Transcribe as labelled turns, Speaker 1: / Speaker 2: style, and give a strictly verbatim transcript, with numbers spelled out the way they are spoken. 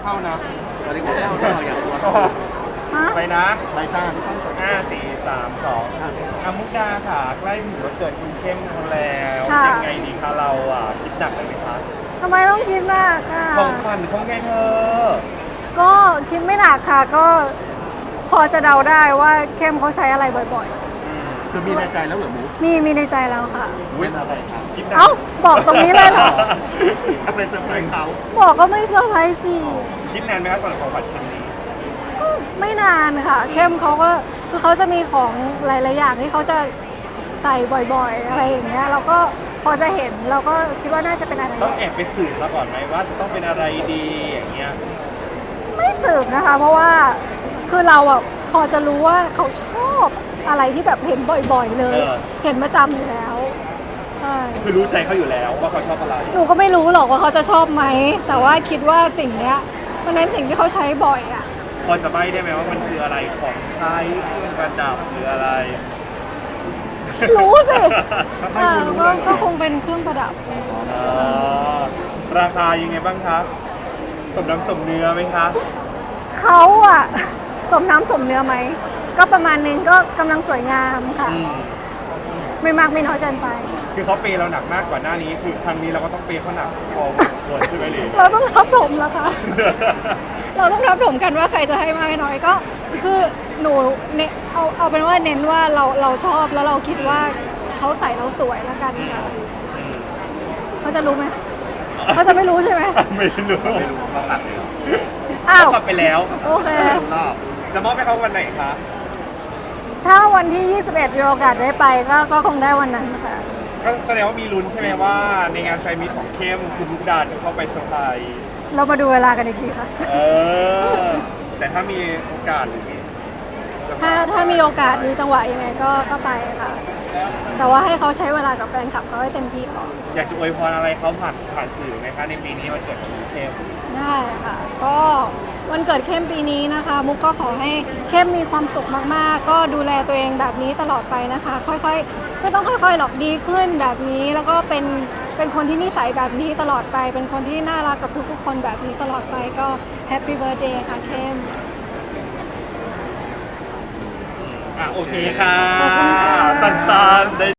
Speaker 1: เข้านะ
Speaker 2: ตอนนี้ก็เข้าเราอยากตัว
Speaker 3: ฮะ
Speaker 1: ไปนะ
Speaker 2: ใบซ่า
Speaker 1: ห้าสี่สามสองอามุกดาค่ะใกล้ถึงวันเกิดคุณเข้มเขาแล้ว
Speaker 3: ค่ะ
Speaker 1: ยังไงดีคะเราอ่ะคิดหนักเลยไหมคะ
Speaker 3: ทำไมต้องคิดหนักค่ะ
Speaker 1: ของขวัญของไงเธอ
Speaker 3: ก็คิดไม่หนักค่ะ ก็พอจะเดาได้ว่าเข้มเขาใช้อะไรบ่อย
Speaker 2: คือมีในใจแล้วเหรอหมู
Speaker 3: ๆ มีมีในใจแล้วค่ะ
Speaker 2: เป็นอะไรครับ
Speaker 1: คิดหนัก
Speaker 3: เอ้า บอกตรงนี้เลยเหรอ
Speaker 2: ถ้าเป็นเซอร์ไพรส์เขา
Speaker 3: บอกก็ไม่เซอร์ไพรส์สิ
Speaker 1: คิดนานไหมครับก่อนของขวัญชิ้นนี้
Speaker 3: ก็ไม่นานค่ะ เข้มเขาก็คือเขาจะมีของหลายๆอย่างที่เขาจะใส่บ่อยๆ อะไรอย่างเงี้ยเราก็พอจะเห็นเราก็คิดว่าน่าจะเป็นอะไร
Speaker 1: ต้องแอบไปสืบมาก่อนไหมว่าจะต้องเป็นอะไรดีอย่างเงี้ย
Speaker 3: ไม่สืบนะคะ เพราะว่าคือเราอ่ะพอจะรู้ว่าเขาชอบอะไรที่แบบเห็นบ่อยๆเลย เห็นประจำอยู่แล้วใช่
Speaker 1: คือรู้ใจเขาอยู่แล้วว่าเขาชอบอะไร
Speaker 3: หนูก็ไม่รู้หรอกว่าเขาจะชอบไหมแต่ว่าคิดว่าสิ่งเนี้ยมันเป็นสิ่งที่เขาใช้บ่อยอ่ะ
Speaker 1: พอจะใบ้ได้ไหมว่ามันคืออะไรของใช้เครื่องประดับหรืออะไร
Speaker 3: รู้สิ
Speaker 2: ถ้าไม่
Speaker 3: อ่า
Speaker 2: คุณรู้
Speaker 3: ก็
Speaker 2: เลยเหร
Speaker 3: ก็
Speaker 2: อ
Speaker 3: คงเป็นเครื่องประดับ
Speaker 1: อ๋อราคายังไงบ้างครับสมน้ำสมเนื้อไหมครับ
Speaker 3: เขาอะสมน้ำสมเนื้อไหม ก็ประมาณนึงก็กำลังสวยงามค่ะ
Speaker 1: อืม
Speaker 3: ไม่มากไม่น้อยเกินไป
Speaker 1: คือเขาเปย์เราหนักมากกว่าหน้านี้ คือครั้งนี้เราก็ต้องเปย์เขาหนักพอสมควรใช่ไหมลี
Speaker 3: เราต้องทับถมแล้วค่ะ เราต้องทับถมกันว่าใครจะให้มากให้น้อยก็ คือหนูเนเอาเอาเป็นว่าเน้นว่าเราเราชอบแล้วเราคิดว่าเขาใส่เราสวยแล้วกันค่ะเขาจะรู้ไหมเขาจะไม่รู้ใช่ไหม
Speaker 1: ไม่รู้
Speaker 2: ไม่รู้เราตัดเลยเหรอ
Speaker 3: อ้าว
Speaker 1: กลับไปแล้ว
Speaker 3: โอเค
Speaker 2: ไม่รู้รอบ
Speaker 1: จะมอบให้เขาวันไหนคะ
Speaker 3: ถ้าวันที่ ยี่สิบเอ็ดมีโอกาสได้ไปก็ก็คงได้วันนั้นค่ะ
Speaker 1: ก็แสดงว่ามีลุ้นใช่ไหมว่าในงานแฟนมิตของเข้มคุณมุกดาจะเข้าไปเซอร์ไพรส์
Speaker 3: เรามาดูเวลากันอีกทีค่ะ
Speaker 1: เออ แต่ถ้ามีโอกาสหรือมีจะ
Speaker 3: ถ้าถ้ามีโอกาสมีจังหวะยังไงก็ก็ไปค่ะ แต่ว่าให้เขาใช้เวลากับแฟนคลับเขาให้เต็มที่ก่อน
Speaker 1: อยากจะอวยพรอะไรเขาผ่านผ่านสื่อไหมคะในปีนี้วันเกิดของคุณเข้ม
Speaker 3: ได้ค่ะ ก็วันเกิดเข้มปีนี้นะคะ มุกก็ขอให้เข้มมีความสุขมากๆ ก็ดูแลตัวเองแบบนี้ตลอดไปนะคะ ค่อยๆไม่ต้องค่อยๆหรอกดีขึ้นแบบนี้ แล้วก็เป็นเป็นคนที่นิสัยแบบนี้ตลอดไป เป็นคนที่น่ารักกับทุกๆคนแบบนี้ตลอดไปก็แฮปปี้เบิร์ธเดย์ค่ะเข้ม
Speaker 1: อ่ะโอเคค่ะ
Speaker 3: ขอบคุณค่ะ
Speaker 1: ตันๆได้